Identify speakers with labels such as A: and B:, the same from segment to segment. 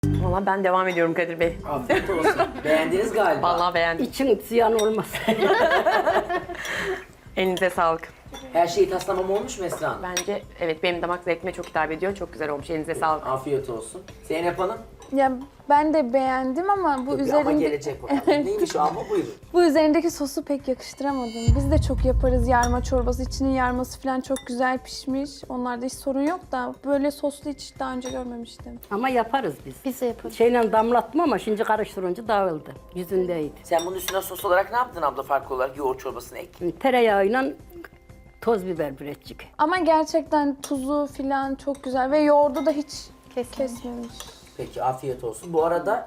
A: Valla ben devam ediyorum Kadir Bey.
B: Afiyet olsun. Beğendiniz galiba.
A: Vallahi beğendim.
C: İçin ziyan olmasın.
A: Elinize sağlık.
B: Her şeyi taslamam olmuş mu Esra Hanım?
A: Bence evet benim damak zevkime çok hitap ediyor. Çok güzel olmuş. Elinize sağlık.
B: Afiyet olsun. Zeynep Hanım?
D: Ya ben de beğendim ama bu
B: Ama
D: üzerinde
B: gelecek bakalım. Neymiş o ama buyurun.
D: bu üzerindeki sosu pek yakıştıramadım. Biz de çok yaparız yarma çorbası. İçinin yarması falan çok güzel pişmiş. Onlarda hiç sorun yok da böyle soslu hiç daha önce görmemiştim.
C: Ama yaparız biz.
E: Biz de yaparız.
C: Şeyle damlatma ama şimdi karıştırınca dağıldı. Yüzündeydi.
B: Sen bunun üstüne sos olarak ne yaptın abla farklı olarak? Yoğurt çorbasını ek.
C: Şimdi tereyağıyla toz biber birecik.
D: Ama gerçekten tuzu falan çok güzel ve yoğurdu da hiç kesmemiş.
B: Peki afiyet olsun. Bu arada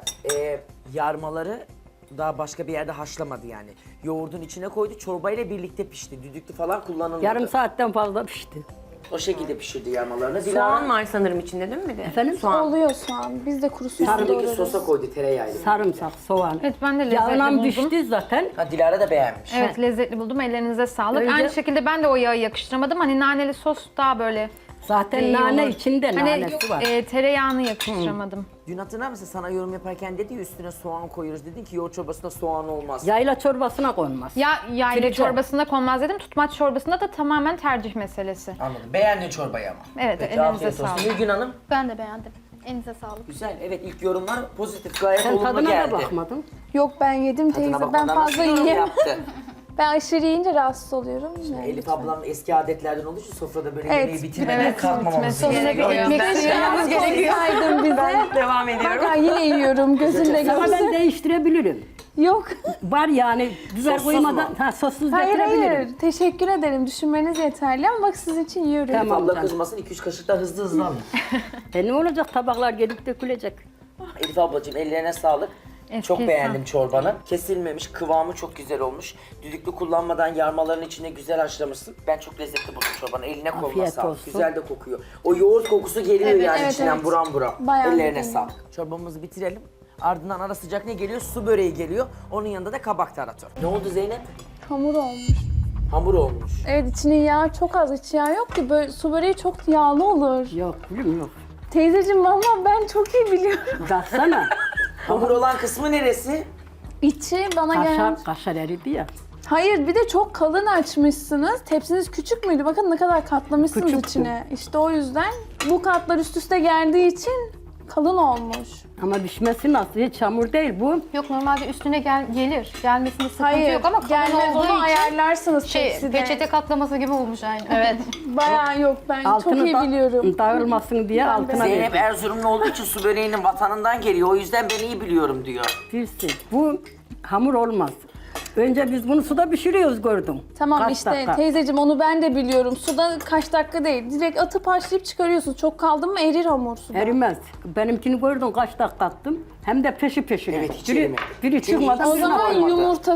B: yarmaları daha başka bir yerde haşlamadı yani. Yoğurdun içine koydu, çorbayla birlikte pişti. Düdüklü falan kullanılmadı.
C: Yarım saatten fazla pişti.
B: O şekilde pişirdi yarmalarını.
A: Soğan var sanırım içinde değil mi bir de?
C: Efendim?
A: Soğan.
D: Oluyor soğan. Biz de kuru soğan
B: Üstündeki
D: doğrarız.
B: sosa koydu tereyağıyla.
C: Sarımsak, soğan.
F: Evet ben de lezzetli
C: Yağla
F: buldum.
C: pişti zaten.
B: Ha Dilara da beğenmiş.
F: Evet lezzetli buldum. Ellerinize sağlık.
C: Önce-
F: Aynı şekilde ben de o yağı yakıştıramadım. Hani naneli sos daha böyle
C: Zaten
F: iyi
C: nane
F: olur.
C: içinde
F: Hani
C: nanesi var.
F: tereyağını yakıştıramadım.
B: Dün hatırlar mısın sana yorum yaparken dedi ya üstüne soğan koyuyoruz. Dedin ki yoğurt çorbasında soğan olmaz.
C: Yayla çorbasına konmaz.
F: Ya yayla
C: Filtre.
F: çorbasında konmaz dedim. Tutmaç çorbasında da tamamen tercih meselesi.
B: Anladım. Beğendin çorbayı ama.
F: Evet,
B: Peki,
F: elinize
B: afiyet olsun.
F: sağlık.
B: Nilgün Hanım.
E: Ben de beğendim. Elinize sağlık.
B: Güzel. Evet ilk yorumlar pozitif. Gayet
C: Sen
B: olumlu
C: tadına
B: geldi.
C: da bakmadın.
D: Yok ben yedim
B: Tadına
D: teyze. Ben
B: bakmadan nasıl
D: fazla
B: yorum
D: yiyemem.
B: yaptı?
D: Ben aşırı yiyince rahatsız oluyorum. Yani
B: Elif
D: lütfen.
B: ablam eski adetlerden olduğu için sofrada böyle
D: Evet,
B: yemeği bitirmeden
F: evet,
B: kalkmamamız
F: bitmesi
B: gerekiyor. O
F: gerekiyor.
B: yüzden
F: Ekmek
B: şey
F: yememiz gerekiyor.
D: Saydın bize.
A: Devam ediyorum.
D: Bak yine yiyorum gözünle
C: Ama ben
D: görsün.
C: değiştirebilirim.
D: Yok.
C: Var yani biber
B: Sossuz
C: koymadan
B: mu?
C: sossuz
D: Hayır
C: getirebilirim.
D: hayır. Teşekkür ederim. Düşünmeniz yeterli ama bak sizin için yiyorum.
C: Tamam.
B: Elif abla
C: canım.
B: kızmasın 2-3 kaşık da hızlı hızlı alın.
C: Ne olacak tabaklar gelip dökülecek.
B: Elif ablacığım ellerine sağlık. Çok
F: Eski
B: beğendim çorbanı. Kesilmemiş, kıvamı çok güzel olmuş. Düdüklü kullanmadan yarmaların içine güzel haşlamışsın. Ben çok lezzetli buldum çorbanı. Eline koluna
C: Afiyet
B: sağlık.
C: olsun.
B: Güzel de kokuyor. O yoğurt kokusu geliyor
D: Evet,
B: yani
D: evet,
B: içinden
D: evet.
B: buram buram.
D: Bayağı
B: Ellerine
D: geliyor.
B: sağlık. Çorbamızı bitirelim. Ardından ara sıcak ne geliyor? Su böreği geliyor. Onun yanında da kabak tarator. Ne oldu Zeynep?
D: Hamur olmuş.
B: Hamur olmuş.
D: Evet içinin yağı çok az. İç yağı yok ki. Böyle, su böreği çok yağlı olur.
C: Yok gülüm yok.
D: Teyzeciğim valla ben çok iyi biliyorum.
C: Baksana.
B: Hamur olan kısmı neresi?
D: İçi bana gelen...
C: Kaşar eridi ya.
D: Hayır bir de çok kalın açmışsınız. Tepsiniz küçük müydü? Bakın ne kadar katlamışsınız
C: Küçüktü.
D: içine. İşte o yüzden bu katlar üst üste geldiği için kalın olmuş.
C: Ama pişmesi nasıl? Hiç hamur değil bu.
E: Yok normalde üstüne gelir. Gelmesinde sıkıntı
D: Hayır
E: yok ama kalın
D: gelmez
E: olduğu
D: onu
E: için
D: ayarlarsınız tepside.
E: peçete katlaması gibi olmuş aynı. Evet.
D: Bayağı yok ben çok iyi biliyorum.
C: Dağılmasın diye altına
B: Zeynep
C: verdim.
B: Erzurumlu olduğu için su böreğinin vatanından geliyor. O yüzden ben iyi biliyorum diyor.
C: Bilsin. Bu hamur olmaz. Önce biz bunu suda pişiriyoruz gördüm.
D: Tamam
C: Kaç
D: işte
C: dakika?
D: teyzeciğim onu ben de biliyorum. Suda kaç dakika değil. Direkt atıp haşlayıp çıkarıyorsun. Çok kaldı mı erir hamur suda.
C: Erimez. Benimkini gördün kaç dakika attım. Hem de peşi peşine.
B: Evet, hiç
C: biri,
B: erimedi.
C: biri
B: Çünkü
C: çıkmadan
D: O
B: hiç
C: birine
D: zaman
B: koymadı.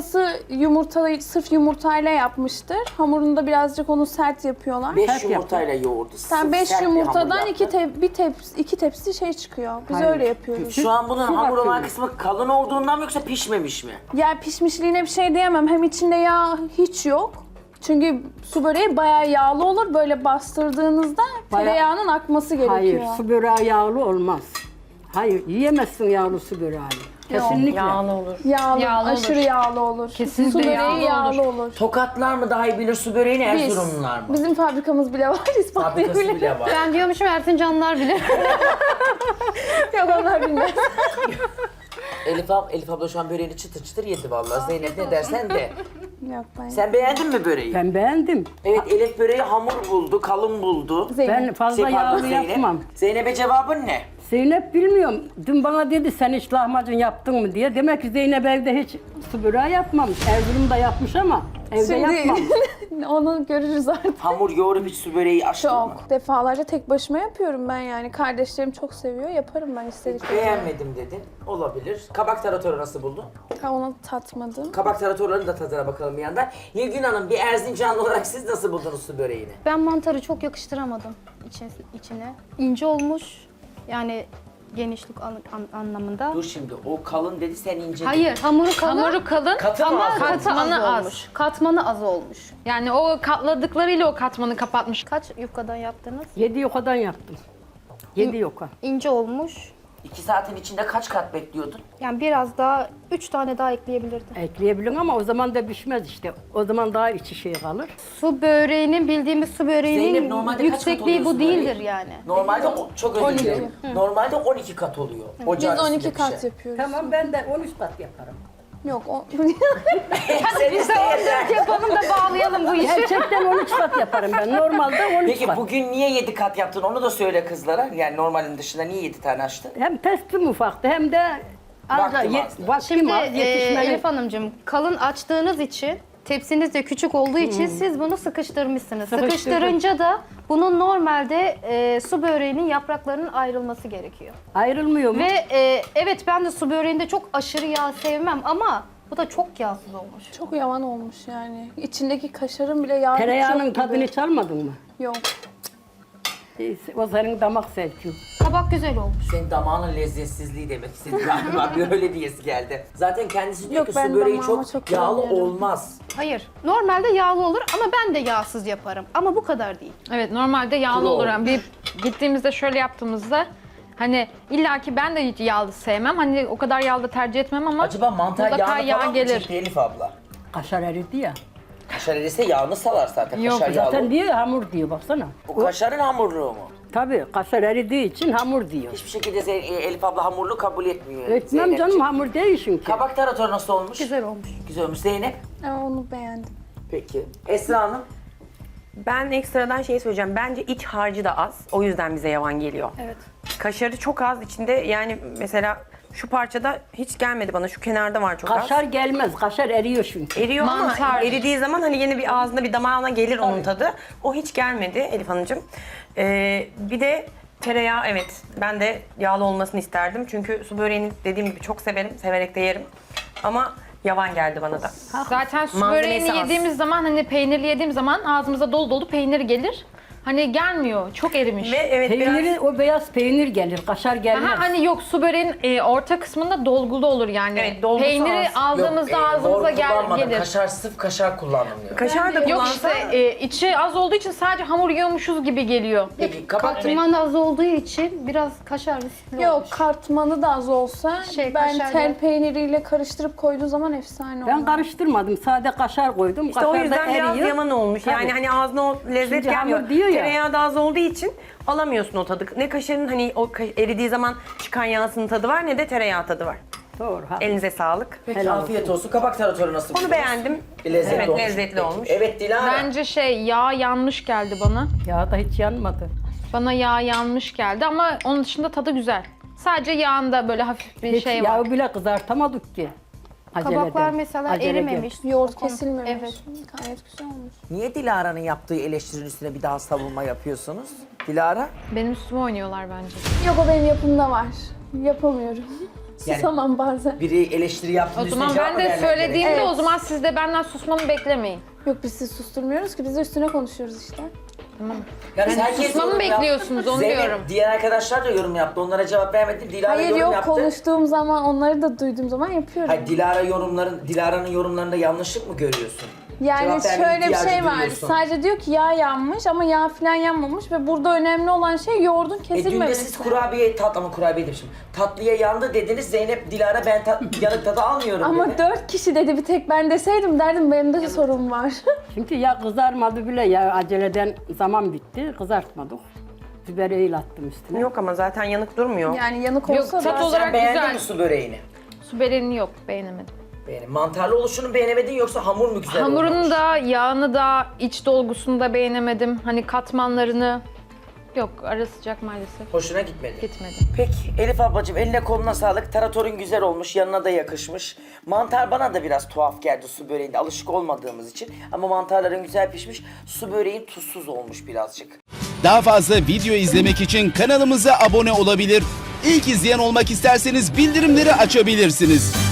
D: yumurtayı sırf yumurtayla yapmıştır. Hamurunu da birazcık onu sert yapıyorlar.
B: 5
C: Sert
B: yumurtayla yoğurdu.
D: Sen 5
B: Sert bir
D: yumurtadan
B: hamur yaptı.
D: iki tepsi şey çıkıyor. Biz
C: Hayır.
D: öyle yapıyoruz.
B: Şu an bunun
C: Su
B: hamur olan
C: bakıyorum.
B: kısmı kalın olduğundan mı yoksa pişmemiş mi?
D: Ya pişmişliğine bir şey diyemem. Hem içinde yağ hiç yok. Çünkü su böreği bayağı yağlı olur. Böyle bastırdığınızda
C: Bayağı-
D: tereyağının akması gerekiyor.
C: Hayır, su böreği yağlı olmaz. Hayır, yiyemezsin yağlı su böreği. Kesinlikle.
A: Yağlı olur.
D: Yağlı,
F: Yağlı olur.
D: aşırı yağlı olur.
F: Kesinlikle
D: su böreği
F: yağlı
D: yağlı olur.
B: Tokatlar mı daha iyi bilir su böreğini, Erzurumlular mı?
D: Bizim fabrikamız bile var,
B: Fabrikası
D: ispatlayabilirim.
B: bile var.
E: Ben diyormuşum Erzincanlılar bile.
D: Yok onlar bilmez.
B: Elif abla şu an böreğini çıtır çıtır yedi vallahi. Zeynep ne dersen de.
D: Yok ben.
B: Sen beğendin mi böreği?
C: Ben beğendim.
B: Evet Elif böreği hamur buldu, kalın buldu.
C: Ben fazla
B: Şey, pardon,
C: yağlı yapmam.
B: Zeynep'e cevabın ne?
C: Zeynep bilmiyorum. Dün bana dedi sen hiç lahmacun yaptın mı diye. Demek ki Zeynep evde hiç su böreği yapmamış. Erzurum'da yapmış ama evde yapmamış.
D: Onu görürüz artık.
B: Hamur yoğurup hiç su böreği açtın mı?
D: Çok. Defalarca tek başıma yapıyorum ben yani. Kardeşlerim çok seviyor. Yaparım ben istediklerimi.
B: Beğenmedim dedin. Olabilir. Kabak taratoru nasıl buldun?
D: Ha, onu tatmadım.
B: Kabak taratorlarının da tadına bakalım bir yandan. Nilgün Hanım bir Erzincanlı olarak siz nasıl buldunuz su böreğini?
E: Ben mantarı çok yakıştıramadım içine. İnce olmuş. Yani genişlik anlamında.
B: Dur şimdi o kalın dedi sen ince
E: Hayır,
B: dedin.
E: hamuru kalın.
F: Hamuru kalın
B: Katı mı
F: ama
B: az olmuş?
F: katmanı az.
E: olmuş. Katmanı az olmuş.
F: Yani o katladıklarıyla o katmanı kapatmış.
E: Kaç yufkadan yaptınız?
C: 7 yokadan yaptım. 7 yoka.
E: İnce olmuş.
B: 2 saatin içinde kaç kat bekliyordun?
E: Yani biraz daha 3 tane daha ekleyebilirdim.
C: Ekleyebilin ama o zaman da pişmez işte. O zaman daha içi şey kalır.
E: Su böreğinin bildiğimiz su
B: Zeynep,
E: böreğinin
B: normalde kaç kat
E: yüksekliği bu
B: oluyor su
E: değildir
B: böreği?
E: yani.
B: Normalde çok özür
D: 12.
B: dilerim. Normalde 12 kat oluyor.
D: Biz
B: Ocağın
D: 12
B: üstünde
D: kat
B: pişen.
D: yapıyoruz.
C: Tamam ben de 13 kat yaparım.
D: Yok o...
B: Sen iste yeter.
E: Yapalım da bağlayalım bu işi.
C: Gerçekten 13 kat yaparım ben. Normalde 13
B: Peki
C: kat.
B: bugün niye 7 kat yaptın onu da söyle kızlara. Yani normalin dışında niye 7 tane açtın?
C: Hem testim ufaktı hem de
B: Vaktim azdı.
C: vaktim
E: Şimdi
C: az yetişmeli.
E: Elif Hanımcığım kalın açtığınız için tepsiniz de küçük olduğu için siz bunu sıkıştırmışsınız.
C: Sıkıştırdım.
E: Sıkıştırınca da bunun normalde su böreğinin yapraklarının ayrılması gerekiyor.
C: Ayrılmıyor mu?
E: Ve evet ben de su böreğinde çok aşırı yağ sevmem ama bu da çok yağsız olmuş.
D: Çok yavan olmuş yani. İçindeki kaşarın bile yağı
C: Tereyağının
D: çok gibi.
C: tadını çalmadın mı?
D: Yok.
C: O senin damak zevkin.
E: Kabak güzel olmuş.
B: Senin damağının lezzetsizliği demek istedi galiba. Bir öyle diyesi geldi. Zaten kendisi diyor
D: Yok,
B: ki
D: ben
B: su böreği
D: damağıma
B: çok,
D: çok
B: yağlı
D: beğeniyorum.
B: olmaz.
E: Hayır. Normalde yağlı olur ama ben de yağsız yaparım. Ama bu kadar değil.
F: Evet normalde yağlı
B: Kuru
F: olur.
B: olur.
F: Yani bir gittiğimizde şöyle yaptığımızda hani illaki ben de hiç yağlı sevmem. Hani o kadar yağlı da tercih etmem ama
B: Acaba mantar
F: mutlaka
B: yağını
F: yağ
B: falan mı
F: gelir.
B: çekti Elif abla?
C: Kaşar eridi ya.
B: Kaşar erirse yağını salar zaten.
F: Yok,
B: Kaşar yağlı.
C: Zaten diyor ya, hamur diyor baksana.
B: Bu kaşarın hamurluğu mu?
C: Tabii kaşar eridiği için hamur diyor.
B: Hiçbir şekilde Elif abla hamurlu kabul etmiyor.
C: Etmem
B: Zeynepciğim.
C: canım hamur değil çünkü.
B: Kabak tarator nasıl olmuş?
E: Güzel olmuş.
B: Güzel olmuş. Zeynep?
D: Ama onu beğendim.
B: Peki. Esra Hanım?
A: Ben ekstradan şey söyleyeceğim. Bence iç harcı da az. O yüzden bize yavan geliyor.
E: Evet.
A: Kaşarı çok az içinde. Yani mesela şu parçada hiç gelmedi bana. Şu kenarda var çok
C: Kaşar
A: az.
C: gelmez. Kaşar eriyor çünkü.
A: Eriyor
F: Mantar.
A: ama eridiği zaman hani yine bir ağzına bir damağına gelir onun tadı. O hiç gelmedi Elif Hanımcığım. Bir de tereyağı evet ben de yağlı olmasını isterdim. Çünkü su böreğini dediğim gibi çok severim. Severek de yerim. Ama yavan geldi bana da.
F: Zaten su
A: Malzemesi
F: böreğini
A: az.
F: yediğimiz zaman hani peynirli yediğim zaman ağzımıza dolu dolu peynir gelir. Hani gelmiyor. Çok erimiş.
A: Ve evet
C: Peyniri,
A: biraz...
C: o beyaz peynir gelir. Kaşar gelmez.
F: Aha, hani yok su böreğin orta kısmında dolgulu olur yani.
A: Evet, dolgusu
F: Peyniri
A: az.
F: aldığımızda
B: Yok,
F: ağzımıza
B: doğru kullanmadım.
F: gelir.
B: Kaşar, sırf kaşar kullandım diyor.
A: Kaşar da
F: Yok
A: kullansa...
F: işte içi az olduğu için sadece hamur yiyormuşuz gibi geliyor.
B: Peki kabak
E: Katman az olduğu için biraz kaşar riskli
D: Yok
E: olmuş.
D: katmanı da az olsa ben
E: kaşar
D: tel
E: yok.
D: peyniriyle karıştırıp koyduğu zaman efsane
C: Ben
D: olur.
C: karıştırmadım. Sade kaşar koydum.
A: İşte
C: kaşar
A: o
C: da
A: yüzden biraz
C: eriyor.
A: yaman olmuş.
C: Tabii.
A: Yani hani ağzına o lezzet
C: Çünkü
A: gelmiyor.
C: hamur diyor ya.
A: Tereyağı da az olduğu için alamıyorsun o tadı. Ne kaşarın hani o eridiği zaman çıkan yağsının tadı var ne de tereyağı tadı var.
C: Doğru. Ha.
A: Elinize sağlık.
B: Peki
C: Helal
B: afiyet olsun. Kabak taratoru nasıl
A: Onu
B: buldunuz?
A: beğendim.
B: Lezzetli
A: Evet,
B: olmuş.
A: lezzetli
B: Peki.
A: olmuş.
B: Evet Dilara.
F: Bence yağ yanmış geldi bana.
C: Ya da hiç yanmadı.
F: Bana yağ yanmış geldi ama onun dışında tadı güzel. Sadece yağında böyle hafif bir
C: Hiç
F: şey var.
C: yağı bile kızartamadık ki. Aceleden.
E: Kabaklar mesela
C: Aceleden.
E: erimemiş.
D: Yoğurt
E: Kon-
D: kesilmemiş.
E: Evet.
D: Gayet güzel olmuş.
B: Niye Dilara'nın yaptığı eleştirinin üstüne bir daha savunma yapıyorsunuz? Dilara?
F: Benim üstüme oynuyorlar bence.
D: Yok o benim yapımda var. Yapamıyorum.
B: Yani-
D: Susamam bazen.
B: Biri eleştiri yaptığında
F: O
B: üstüne
F: zaman
B: cevap
F: ben
B: mı
F: de
B: vermek
F: söylediğimde
B: gerek?
F: o zaman siz de benden susmamı beklemeyin.
D: Yok biz sizi susturmuyoruz ki biz de üstüne konuşuyoruz işte.
B: Yani
F: Yani
B: herkes
F: susmamı
B: yorum yap-
F: bekliyorsunuz, onu
B: Zeynep,
F: diyorum.
B: diğer arkadaşlar da yorum yaptı. Onlara cevap vermedi. Dilara
D: Hayır
B: yorum
D: yok
B: yaptı.
D: konuştuğum zaman onları da duyduğum zaman yapıyorum.
B: Hayır, Dilara'nın yorumlarında yanlışlık mı görüyorsun?
D: Yani
B: Cevap verme
D: şöyle bir
B: ihtiyacı
D: şey var.
B: duyuyorsun.
D: Sadece diyor ki yağ yanmış ama yağ falan yanmamış ve burada önemli olan şey yoğurdun
B: Dün de
D: kesilmemesi.
B: siz kurabiye demişim. Tatlıya yandı dediniz. Zeynep, Dilara ben yanık tadı almıyorum
D: Ama
B: dedi.
D: 4 kişi dedi bir tek ben deseydim derdim benim de sorun var.
C: Çünkü ya kızarmadı bile ya aceleden zaman bitti. Kızartmadık. Bibereyi attım üstüne.
A: Yok ama zaten yanık durmuyor.
D: Yani yanık
F: Yok,
D: olsa
F: tat
D: da
B: Sen
F: olarak
B: beğendin
F: güzel.
B: mi su böreğini?
F: Su böreğini yok, beğenemedim.
B: Mantarlı oluşunu beğenemedin yoksa hamur mu güzel olmamış?
F: Hamurunu da, yağını da, iç dolgusunu da beğenemedim. Hani katmanlarını... Yok, ara sıcak maalesef.
B: Hoşuna gitmedi.
F: Gitmedi.
B: Peki Elif ablacığım eline koluna sağlık. Taratorun güzel olmuş, yanına da yakışmış. Mantar bana da biraz tuhaf geldi su böreğinde alışık olmadığımız için. Ama mantarların güzel pişmiş. Su böreğin tuzsuz olmuş birazcık.
G: Daha fazla video izlemek için kanalımıza abone olabilir. İlk izleyen olmak isterseniz bildirimleri açabilirsiniz.